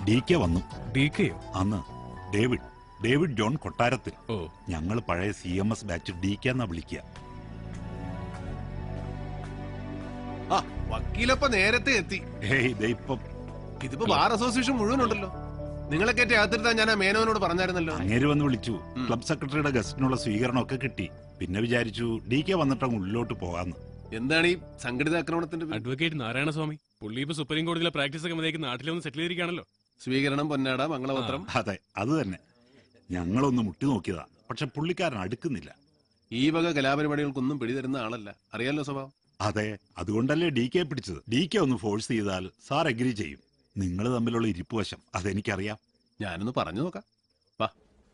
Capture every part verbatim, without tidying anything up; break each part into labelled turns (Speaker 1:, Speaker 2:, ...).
Speaker 1: D K വന്നു.
Speaker 2: D കെയോ?
Speaker 1: അന്ന് ഡേവിഡ് ഡേവിഡ് ജോൺ കൊട്ടാരത്തിൽ.
Speaker 2: ഓ,
Speaker 1: ഞങ്ങൾ പഴയ C M S batch D K എന്നാ വിളിക്കുക.
Speaker 3: വക്കീലപ്പ നേരത്തെ എത്തി.
Speaker 1: ഇപ്പം
Speaker 3: ഇതിപ്പോ ബാർ അസോസിയേഷൻ മുഴുവനുണ്ടല്ലോ. നിങ്ങളെ കയറ്റി അകത്തിരുത്താൻ ഞാൻ ആ മേനോനോട് പറഞ്ഞായിരുന്നല്ലോ.
Speaker 1: അങ്ങേര് വന്ന് വിളിച്ചു. ക്ലബ് സെക്രട്ടറിയുടെ ഗസ്റ്റിനുള്ള സ്വീകരണമൊക്കെ കിട്ടി. പിന്നെ വിചാരിച്ചു ഡി കെ വന്നിട്ടങ്ങ് ഉള്ളിലോട്ട് പോകാന്ന്.
Speaker 3: എന്താണ് ഈ സംഘടിത ആക്രമണത്തിന്റെ?
Speaker 2: അഡ്വക്കേറ്റ് നാരായണസ്വാമി പുള്ളി ഇപ്പൊ സുപ്രീം കോടതിയിലെ പ്രാക്ടീസ് ഒക്കെ മതിയാക്കി നാട്ടിലൊന്ന് സെറ്റിൽ ചെയ്തിരിക്കുകയാണല്ലോ.
Speaker 3: സ്വീകരണം, പൊന്നാട, മംഗളപത്രം.
Speaker 1: അതെ, അത് തന്നെ. ഞങ്ങളൊന്ന് മുട്ടി നോക്കിയതാ, പക്ഷെ പുള്ളിക്കാരൻ അടുക്കുന്നില്ല.
Speaker 3: ഈ വക കലാപരിപാടികൾക്കൊന്നും പിടിതരുന്ന ആളല്ല, അറിയാലോ സ്വഭാവം.
Speaker 1: അതെ, അതുകൊണ്ടല്ലേ ഡി കെ പിടിച്ചത്. ഡി കെ ഒന്ന് ഫോഴ്സ് ചെയ്താൽ സാർ എഗ്രി ചെയ്യും. നിങ്ങൾ തമ്മിലുള്ള ഇരിപ്പുവശം അതെനിക്കറിയാം.
Speaker 3: ഞാനൊന്ന് പറഞ്ഞു നോക്കാം. വാ.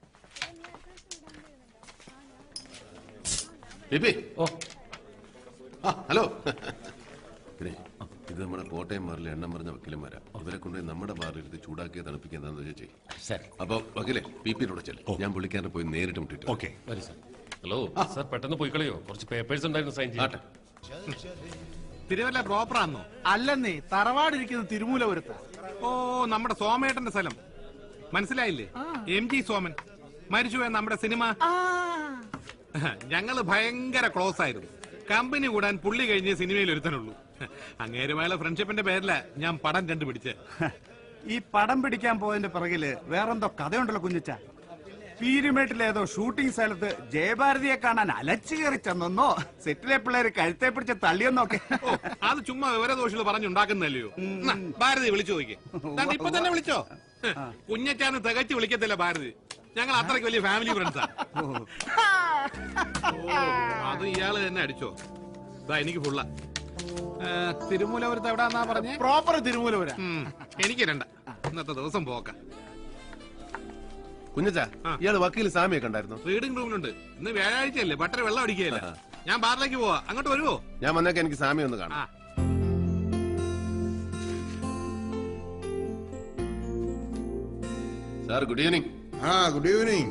Speaker 3: ഹലോ. പിന്നെ ഇത് നമ്മുടെ കോട്ടയം ബാറിലെ എണ്ണം പറഞ്ഞ വക്കീലന്മാരാ. ഇവരെ കൊണ്ട് നമ്മുടെ ബാറിൽ എടുത്ത് ചൂടാക്കിയ തണുപ്പിക്കുക എന്താണെന്ന് വെച്ചാൽ ചെയ്യും. അപ്പൊ വക്കീലെ പി പിന്നോട് ചെല്ലും. ഞാൻ പുള്ളിക്കാരനെ പോയി നേരിട്ട് മുട്ടിട്ട്.
Speaker 1: ഓക്കെ.
Speaker 2: ഹലോ സാർ, പെട്ടെന്ന് പോയി കളയോ? കുറച്ച് പേപ്പേഴ്സ് ഉണ്ടായിരുന്നു സൈൻ ചെയ്യാട്ടെ.
Speaker 4: തിരുവല്ല പ്രോപ്പറാന്നോ? അല്ലെന്നേ, തറവാടിരിക്കുന്ന തിരുമൂലപുരത്ത. ഓ, നമ്മുടെ സോമേട്ടന്റെ സ്ഥലം മനസ്സിലായില്ലേ? എം ജി സോമൻ മരിച്ചുപോയ നമ്മുടെ സിനിമ. ഞങ്ങള് ഭയങ്കര ക്ലോസ് ആയിരുന്നു. കമ്പനി കൂടാൻ പുള്ളി കഴിഞ്ഞ സിനിമയിൽ ഒരുത്തനുള്ളൂ. അങ്ങേരുമായുള്ള ഫ്രണ്ട്ഷിപ്പിന്റെ പേരില ഞാൻ പടം കണ്ടുപിടിച്ച്.
Speaker 5: ഈ പടം പിടിക്കാൻ പോയതിന്റെ പിറകില് വേറെന്തോ കഥയുണ്ടല്ലോ കുഞ്ഞിച്ച. പീരുമേട്ടിലേതോ ഷൂട്ടിംഗ് സ്ഥലത്ത് ജയഭാരതിയെ കാണാൻ അലച്ചു കയറി ചെന്നോ, സെറ്റിലെ പിള്ളേര് കഴുത്തെ പിടിച്ച് തള്ളിയെന്നൊക്കെ.
Speaker 4: അത് ചുമ്മാ വിവരദോഷികൾ പറഞ്ഞുണ്ടാക്കുന്നല്ലയോ. ഭാരതി വിളിച്ചു നോക്കി. ഇപ്പൊ തന്നെ വിളിച്ചോ? കുഞ്ഞച്ചാന്ന് തികച്ചു വിളിക്കത്തില്ല ഭാരതി. ഞങ്ങൾ അത്രയ്ക്ക് വലിയ ഫാമിലി ഫ്രണ്ട്സാ. അത് ഇയാള് തന്നെ അടിച്ചോ? എനിക്ക് ഫുള്ള. തിരുമൂലപുരത്ത് എവിടാന്നാ പറഞ്ഞേ?
Speaker 5: പ്രോപ്പർ തിരുമൂലപുര.
Speaker 4: എനിക്ക് രണ്ട. ഇന്നത്തെ ദിവസം പോക്ക.
Speaker 3: കുഞ്ഞച്ചാ, ഇയാള് വക്കീൽ സാമിയെ കണ്ടായിരുന്നു?
Speaker 4: റീഡിംഗ് റൂമിലുണ്ട്. ഇന്ന് വ്യാഴാഴ്ചയല്ലേ, ബട്ടർ വെള്ളം അടിക്കുകയല്ല. ഞാൻ ബാറിലേക്ക് പോവാ, അങ്ങോട്ട് വരുവോ?
Speaker 3: ഞാൻ വന്നേക്ക് എനിക്ക് സാമി ഒന്ന് കാണാം. Sir, good evening.
Speaker 6: ആ, good evening.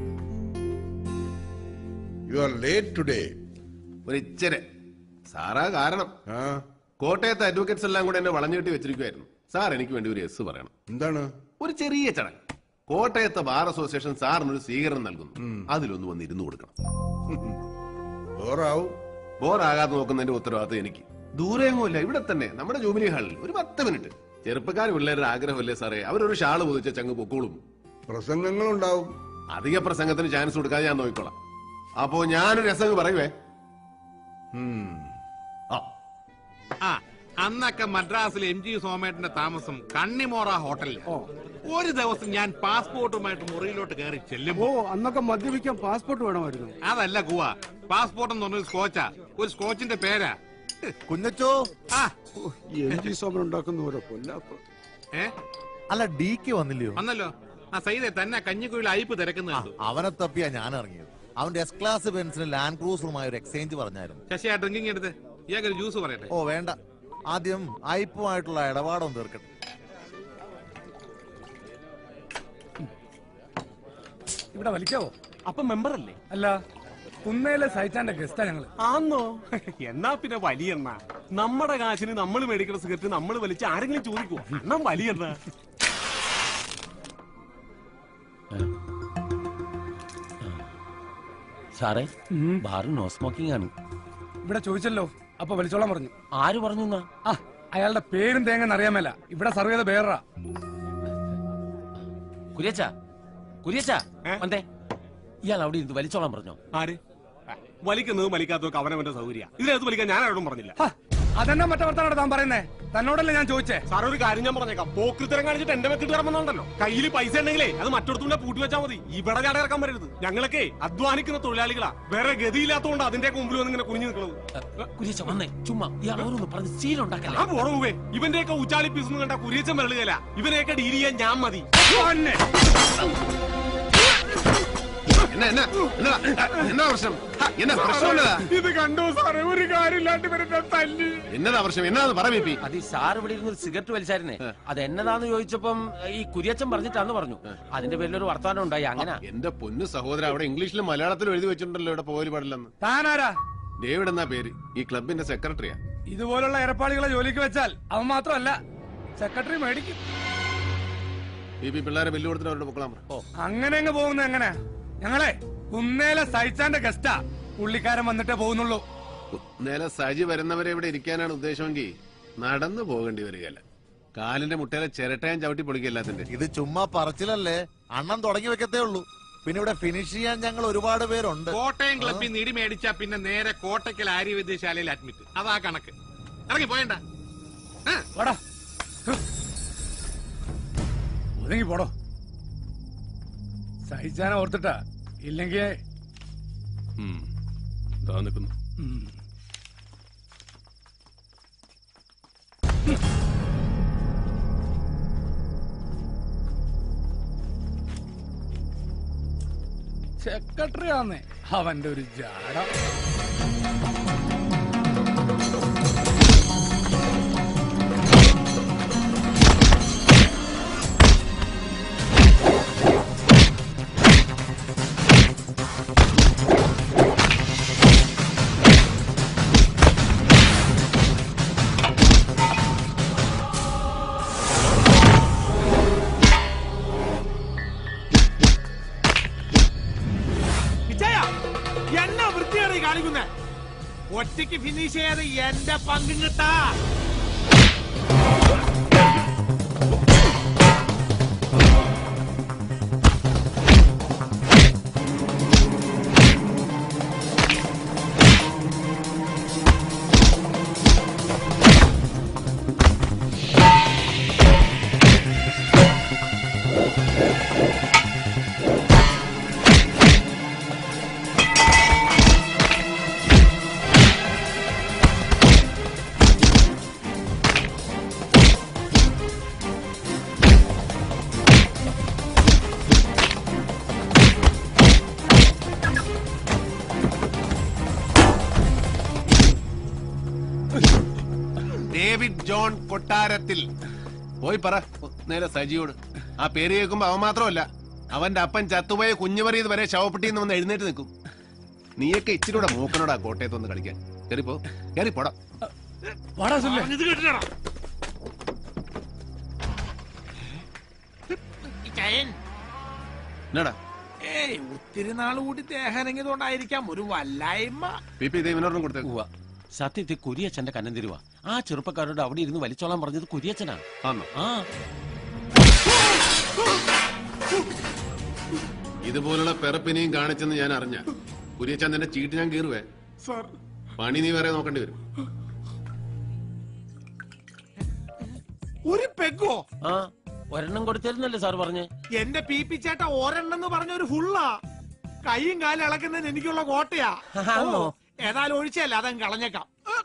Speaker 6: You are late today.
Speaker 3: ഒരു ഇച്ചിരി സാറാ കാരണം. കോട്ടയത്തെ അഡ്വക്കേറ്റ്സ് എല്ലാം കൂടെ എന്നെ വളഞ്ഞുകെട്ടി വെച്ചിരിക്കുവായിരുന്നു. സാർ എനിക്ക് വേണ്ടി ഒരു എസ് പറയണം.
Speaker 6: എന്താണ്?
Speaker 3: ഒരു ചെറിയ ചടങ്ങ്. കോട്ടയത്തെ ബാർ അസോസിയേഷൻ സാറിനൊരു സ്വീകരണം നൽകുന്നു. അതിലൊന്ന് വന്ന് ഇരുന്ന് കൊടുക്കണം.
Speaker 6: ബോറാവും.
Speaker 3: ബോറാകാതെ നോക്കുന്നതിന്റെ ഉത്തരവാദിത്വം എനിക്ക്. ദൂരെയൊന്നുമില്ല, ഇവിടെ തന്നെ നമ്മുടെ ജൂബിലി ഹാളിൽ ഒരു പത്ത് മിനിറ്റ്. ചെറുപ്പക്കാർ പിള്ളേരുടെ ആഗ്രഹമല്ലേ സാറേ? അവരൊരു ഷാള് പൊതിച്ച ചങ്ങ് പൊക്കോളും.
Speaker 6: പ്രസംഗങ്ങളുണ്ടാവും.
Speaker 3: അധിക പ്രസംഗത്തിന് ചാൻസ് കൊടുക്കാതെ ഞാൻ നോക്കിക്കോളാം. അപ്പോ ഞാനൊരു രസം പറയുവേ.
Speaker 4: ആ, അന്നൊക്കെ മദ്രാസിലെ എം ജി സോമേട്ടന്റെ താമസം കണ്ണിമോറ ഹോട്ടലിൽ. ഒരു ദിവസം ഞാൻ പാസ്പോർട്ടുമായിട്ട് മുറിയിലോട്ട് കയറി ചെല്ലുമ്പോ,
Speaker 5: അന്നൊക്കെ മദ്യപിക്കാൻ പാസ്പോർട്ട് വേണമായിരുന്നു.
Speaker 4: അതല്ല ഗുവ, പാസ്പോർട്ട് എന്ന് പറഞ്ഞൊരു സ്കോച്ചാ. ഒരു സ്കോച്ചിന്റെ പേരാ
Speaker 7: കുഞ്ഞച്ചോ.
Speaker 4: ആ,
Speaker 5: എം ജി സോമൻ ഉണ്ടാക്കുന്ന ഓരോ കൊല്ലാപ്പ്.
Speaker 4: ഏ
Speaker 7: അല്ല, ഡി കെ വന്നില്ലയോ?
Speaker 4: വന്നല്ലോ. ആ സൈദെ തന്നെ കഞ്ഞിക്കുയിൽ അയപ്പ് തിരക്കുന്നുണ്ട്.
Speaker 7: അവനെ തപ്പിയാ ഞാൻ ഇറങ്ങിയത്. അവന്റെ എസ് ക്ലാസ് ബെൻസിന് ലാൻഡ് ക്രൂസറുമായി ഒരു എക്സ്ചേഞ്ച് പറഞ്ഞായിരുന്നു.
Speaker 4: ശശി, ആ ഡ്രിങ്കിങ് എടുത്ത് ഇയാൾക്ക് ജ്യൂസ് പറയട്ടെ.
Speaker 7: ഓ വേണ്ട, ആദ്യം അയപ്പുമായിട്ടുള്ള ഇടപാടൊന്നും തീർക്കട്ടെ.
Speaker 8: ഇവിടെ വലിക്കാവോ? അപ്പം മെമ്പർ അല്ലേ? അല്ല, കുന്നേലെ സൈറ്റാന്റെ ഗസ്റ്റാ ഞങ്ങള്. ആന്നോ? എന്നാ പിന്നെ വലിയെണ്ണ. നമ്മുടെ കാശിന് നമ്മൾ മേടിക്കുന്ന സിഗരറ്റ് നമ്മൾ വലിച്ച് ആരെങ്കിലും ചോദിക്കുവോ? എന്നാ വലിയെണ്ണ.
Speaker 9: സാറേ, ബാറ് നോ സ്മോക്കിംഗ് ആണ്.
Speaker 8: ഇവിടെ ചോദിച്ചല്ലോ, അപ്പൊ വലിച്ചോളാൻ പറഞ്ഞു.
Speaker 9: ആര് പറഞ്ഞു?
Speaker 8: ആ, അയാളുടെ പേരും തേങ്ങന്ന് അറിയാമല്ല. ഇവിടെ സർവ് ചെയ്ത പേരാ.
Speaker 9: കുര്യച്ച, കുര്യച്ച വന്നേ. ഇയാൾ അവിടെ ഇരുന്ന് വലിച്ചോളാൻ പറഞ്ഞോ?
Speaker 8: ആര് വലിക്കുന്നത് വലിക്കാത്തതൊക്കെ അവനവന്റെ സൗകര്യ. ഇതിനകത്ത് വലിക്കാൻ ഞാൻ ആരോടും പറഞ്ഞില്ല. അതെന്നാ മറ്റേ വർത്താനോട് താൻ പറയുന്നേ? തന്നോടല്ലേ ഞാൻ ചോദിച്ചേ? സാർ, ഒരു കാര്യം ഞാൻ പറഞ്ഞേക്കാം. പോക്കൃത്തരം കാണിച്ചിട്ട് എന്റെ വെക്കിട്ട് ഇറങ്ങുന്നുണ്ടല്ലോ. കയ്യിൽ പൈസ ഉണ്ടെങ്കിലേ അത് മറ്റൊടത്തുകൂടെ പൂട്ടി വെച്ചാൽ മതി. ഇവിടെ ചാട ഇറക്കാൻ വരരുത്. ഞങ്ങളൊക്കെ അധ്വാനിക്കുന്ന തൊഴിലാളികളാ. വേറെ ഗതിയില്ലാത്തതുകൊണ്ട് അതിന്റെ മുമ്പിൽ വന്ന് ഇങ്ങനെ കുനിഞ്ഞു നിൽക്കുന്നത്.
Speaker 9: കുര്യച്ച വന്നേ, ചുമ്മാ ഇയാൾ ഓരോന്ന് പറഞ്ഞ് സീലുണ്ടാക്കല.
Speaker 8: ആ പോറവേ, ഇവന്റെയൊക്കെ ഉച്ചാളി പീസ് കണ്ട കുര്യച്ചൻ വരളുകയല്ല. ഇവനെയൊക്കെ ഡീൽ ചെയ്യാൻ ഞാൻ മതി. ഇത് കണ്ടോ സാറേ? ഒരു കാര്യമില്ലാണ്ട് വരുന്ന തല്ലി.
Speaker 3: എന്നതാ പ്രശ്നം? എന്നതാ പറയൂ.
Speaker 9: അത് ഈ സാർ ഇവിടെ ഇരുന്ന് സിഗരറ്റ് വലിച്ചായിരുന്നേ. അത് എന്നതാന്ന് ചോദിച്ചപ്പം ഈ കുര്യച്ചൻ പറഞ്ഞിട്ടാന്ന് പറഞ്ഞു. അതിന്റെ പേരിൽ ഒരു വർത്തമാനം ഉണ്ടായി. അങ്ങനെ
Speaker 3: എന്റെ പൊന്നു സഹോദരൻ, അവിടെ ഇംഗ്ലീഷിലും മലയാളത്തിലും എഴുതി വെച്ചിട്ടുണ്ടല്ലോ ഇവിടെ പോലും പാടില്ലെന്ന്.
Speaker 8: താനാരാ?
Speaker 3: ഡേവിഡ് എന്നാ പേര്. ഈ ക്ലബിന്റെ സെക്രട്ടറിയാ.
Speaker 8: ഇതുപോലുള്ള ഏർപ്പാടുകളെ ജോലിക്ക് വെച്ചാൽ അവൻ മാത്രമല്ല, സെക്രട്ടറി മേടിക്കും.
Speaker 3: ഈ പി പിള്ളേരെ ബില്ല് കൊടുത്തിട്ട് അവരുടെ പൊക്കളാൻ പറ.
Speaker 8: അങ്ങനെ അങ്ങ് പോകുന്നത് എങ്ങനെ? ഞങ്ങളെ കുന്നേലെ സൈച്ചാന്റെ ഗസ്റ്റാ, പുള്ളിക്കാരൻ വന്നിട്ടേ പോകുന്നുള്ളൂ.
Speaker 3: നേരെ സജി വരുന്നവരെ ഇവിടെ ഇരിക്കാനാണ് ഉദ്ദേശമെങ്കിൽ നടന്നു പോകേണ്ടി വരികയല്ല. കാലിന്റെ മുട്ടയിലെ ചിരട്ടയും ചവിട്ടി പൊളിക്കല്ലാത്തിന്റെ.
Speaker 7: ഇത് ചുമ്മാ പറച്ചിലല്ലേ, അണ്ണൻ തുടങ്ങി വെക്കത്തേ ഉള്ളൂ. പിന്നെ ഇവിടെ ഫിനിഷ് ചെയ്യാൻ ഞങ്ങൾ ഒരുപാട് പേരുണ്ട്.
Speaker 4: കോട്ടയം ക്ലബിൽ നിന്ന് ഇടി മേടിച്ചാ പിന്നെ നേരെ കോട്ടയ്ക്കൽ ആര്യവൈദ്യശാലയിൽ അഡ്മിറ്റ്. അതാ കണക്ക്. ഇറങ്ങി പോയണ്ട.
Speaker 8: ഒതുങ്ങി പോടോ. സഹിച്ചാനെ ഓർത്തിട്ടാ, ഇല്ലെങ്കിൽ
Speaker 2: നിൽക്കുന്നു.
Speaker 8: സെക്രട്ടറി ആന്നേ അവന്റെ ഒരു ജാട.
Speaker 4: എന്നാ വൃത്തിയാണ് ഈ കാണിക്കുന്നേ? ഒറ്റയ്ക്ക് ഫിനിഷ് ചെയ്യാതെ എന്റെ പങ്കും കിട്ടാ. ഡേവിഡ് ജോൺ കൊട്ടാരത്തിൽ
Speaker 3: പോയി പറ നേരെ സജിയോട്. ആ പേര് കേൾക്കുമ്പോ അവൻ മാത്രമല്ല, അവന്റെ അപ്പൻ ചത്തുപോയ കുഞ്ഞുമറിയത് വരെ ശവപ്പെട്ടിന്ന് വന്ന് എഴുന്നേറ്റ് നിൽക്കും. നീയൊക്കെ ഇച്ചിരൂടെ മൂക്കനോടാ കോട്ടയത്തൊന്ന് കളിക്കാൻ. കയറിപ്പോ കയറി പോടാ. എന്നടാ
Speaker 4: ഏയ് ഒത്തിരി നാൾ കൂടി ദേഹനങ്ങിയതുകൊണ്ടായിരിക്കാം ഒരു വല്ലായ്മ.
Speaker 3: P P ദേവിനോടും കൊടുത്തേക്കുവാ.
Speaker 9: സത്യത്തിൽ കുര്യച്ചന്റെ കന്നം തരുവാ. ആ ചെറുപ്പക്കാരോട് അവിടെ ഇരുന്ന് വലിച്ചോളാൻ പറഞ്ഞത് കുര്യച്ചനാണ്.
Speaker 3: ആന്നോ?
Speaker 9: ആ
Speaker 3: ഇതുപോലുള്ള പെറപ്പിനെയും കാണിച്ചെന്ന് ഞാൻ അറിഞ്ഞ കുര്യച്ചന്ദ്രന്റെ ചീട്ട് ഞാൻ കീറുവേ. പണി നീ വേറെ നോക്കേണ്ടി വരും.
Speaker 4: ഒരു പെഗോ?
Speaker 9: ആ ഒരെണ്ണം കൊടുത്തിരുന്നല്ലേ സാർ പറഞ്ഞേ?
Speaker 4: എന്റെ പി പി ചേട്ട ഒരെണ്ണം പറഞ്ഞ ഒരു ഫുള്ളാ. കൈയും കാലും ഇളക്കുന്നതിന് എനിക്കുള്ള കോട്ടയാ.
Speaker 9: ആണോ?
Speaker 4: ഏതായാലും ഒഴിച്ചല്ല, അതങ്ങ് കളഞ്ഞേക്കാം.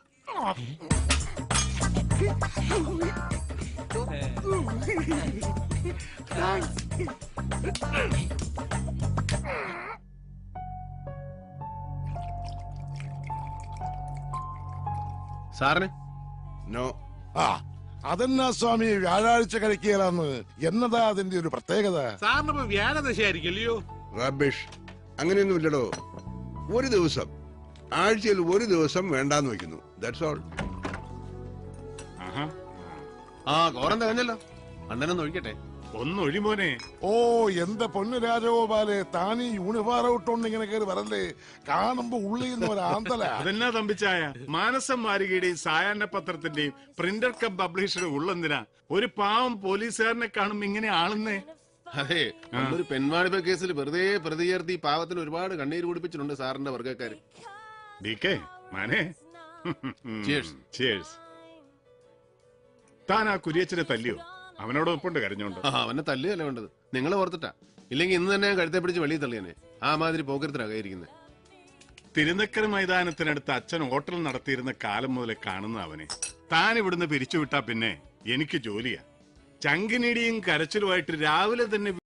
Speaker 3: സാറിന്
Speaker 6: നോ. ആ അതെന്നാ സ്വാമി വ്യാഴാഴ്ച കഴിക്കുകയാണെന്ന് എന്നതാ അതിന്റെ ഒരു പ്രത്യേകത?
Speaker 4: സാറിനിപ്പോ വ്യാഴദശയായിരിക്കല്ലയോ?
Speaker 6: റബിഷ്, അങ്ങനെയൊന്നുമില്ലടോ. ഒരു ദിവസം, ആഴ്ചയിൽ ഒരു ദിവസം വേണ്ടാന്ന് വെക്കുന്നു. That's all.
Speaker 3: ആ കോറം തികഞ്ഞല്ലോ. അണ്ണനൊന്ന് ഒഴിക്കട്ടെ.
Speaker 1: ഒന്നൊഴിമോനെ.
Speaker 6: ഓ എന്റെ പൊന്നു രാജഗോപാലെ, താനീ യൂണിഫോം ഇട്ടോണ്ട് ഇങ്ങനെ കയറി വരല്ലേ, കാണുമ്പോ ഉള്ളിൽ നിന്ന് ഒരു ആന്തല.
Speaker 1: അതെന്നാ തമ്പിച്ചായ, മാനസം മാരികയുടെയും സായാഹ്ന പത്രത്തിന്റെയും പ്രിന്റർ കം പബ്ലിഷറുടെ ഉള്ളെന്തിനാ ഒരു പാവം പോലീസുകാരനെ കാണുമ്പോ ഇങ്ങനെ ആളുന്നേ?
Speaker 3: അതെ, ഒരു പെൺവാണിഭ കേസിൽ വെറുതെ പ്രതി ചേർത്തി പാവത്തിന് ഒരുപാട് കണ്ണീര് കുടിപ്പിച്ചിട്ടുണ്ട് സാറിന്റെ വർഗ്ഗക്കാര്.
Speaker 1: താൻ ആ കുര്യച്ചനെ തല്ലിയോ? അവനോടൊപ്പം കരഞ്ഞോണ്ട്.
Speaker 3: അവനെ തല്ലുകയല്ല വേണ്ടത്, നിങ്ങളെ ഓർത്തിട്ടാ. ഇല്ലെങ്കിൽ ഇന്ന് തന്നെ കഴുത്തെ പിടിച്ച് വെളിയിൽ തള്ളിയനെ. ആ മാതിരി പോക്കരത്തിലാകായിരിക്കുന്നത്.
Speaker 1: തിരുനക്കര മൈതാനത്തിനടുത്ത് അച്ഛൻ ഹോട്ടൽ നടത്തിയിരുന്ന കാലം മുതലേ കാണുന്ന അവനെ താൻ ഇവിടുന്ന് പിരിച്ചുവിട്ടാ പിന്നെ എനിക്ക് ജോലിയാ. ചങ്കിനിടിയും കരച്ചിലുമായിട്ട് രാവിലെ തന്നെ